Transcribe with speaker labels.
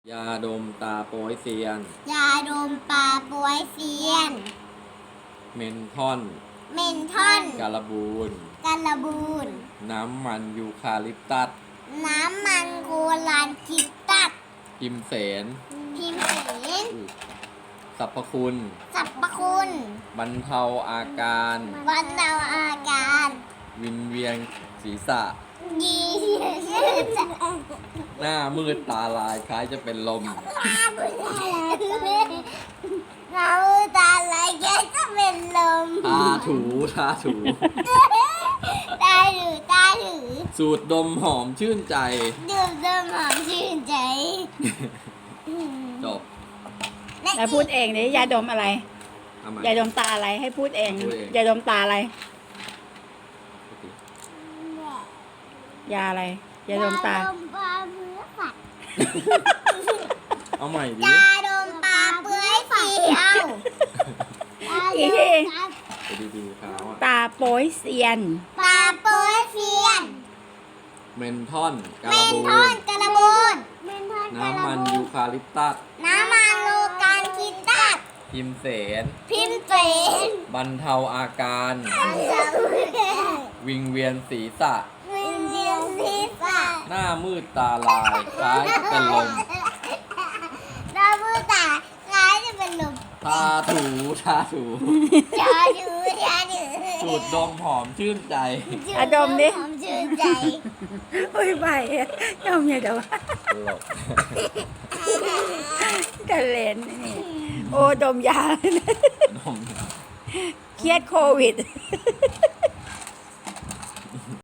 Speaker 1: ยาดมตาโป๊ยเซียน
Speaker 2: ยาดมปลาป่วยเซียน
Speaker 1: เมนทอน
Speaker 2: เมนทอน
Speaker 1: การบูน
Speaker 2: กันระบูน
Speaker 1: น้ำมันยูคาลิปตัส
Speaker 2: น้ำมันโกลานคิดตัด
Speaker 1: พิมเสน
Speaker 2: พิมพ์เสน
Speaker 1: สรรพคุณ
Speaker 2: สรรพคุณ
Speaker 1: บรรเทาอาการ
Speaker 2: บรรเทาอาการ
Speaker 1: วิงเวียนศีรษะ
Speaker 2: ยีชื่อจะ
Speaker 1: หน้ามืดตาลายคล้ายจะเป็นลม
Speaker 2: เราตาไหลแกจะเป็นลม
Speaker 1: ทาถูทาถู
Speaker 2: ตาหรือตาหรือ
Speaker 1: สูดดมหอมชื่นใจ
Speaker 2: ดื่มน้ำหอมชื่นใจ
Speaker 1: จบ
Speaker 3: แล้วพูดเองดิยาดมอะไร
Speaker 1: เอาใหม่
Speaker 3: ยาดมตาอะไรให้พูดเอง
Speaker 1: พูดเอง
Speaker 3: ยาดมตาอะไร ยาอะไรยาดมตา
Speaker 2: ยาดมปลาเปื้อยฝัด
Speaker 1: เอาใหม่ดิ
Speaker 2: ยาดมปลาเปื้อยเสียว
Speaker 3: อีกที
Speaker 1: ไปดีๆเขาอะ
Speaker 3: ตาโป้ยเซียน
Speaker 2: ปลาเปื้อยเสียน
Speaker 1: เมนทอนกา
Speaker 2: เม
Speaker 1: ล
Speaker 2: น
Speaker 1: บู
Speaker 2: ทอน
Speaker 1: น
Speaker 2: กระบูน
Speaker 1: น้ำมันยูคาลิปตัส
Speaker 2: น้ำมันโลการคิดตัด
Speaker 1: พิมเสน
Speaker 2: พิมพ์เสน
Speaker 1: บรรเทาอาการ วิงเวียนศีรษะ
Speaker 2: วินเดียนศีรษะ
Speaker 1: หน้ามืดตาลายคล้ายจะเป็นลม
Speaker 2: ดาวมือตาคล้ายจะเป็นลม
Speaker 1: ทาถูทาถู
Speaker 2: ชาดูชาดู
Speaker 1: สูดดมหอมชื่นใจ
Speaker 3: อ่ะดมดิ
Speaker 2: หอมชื่นใจ
Speaker 3: โอ้ยไปดมอย่าดม
Speaker 1: ตลก
Speaker 3: กันเลนนี่โอ้ดมยา
Speaker 1: ดม
Speaker 3: เครียดโควิด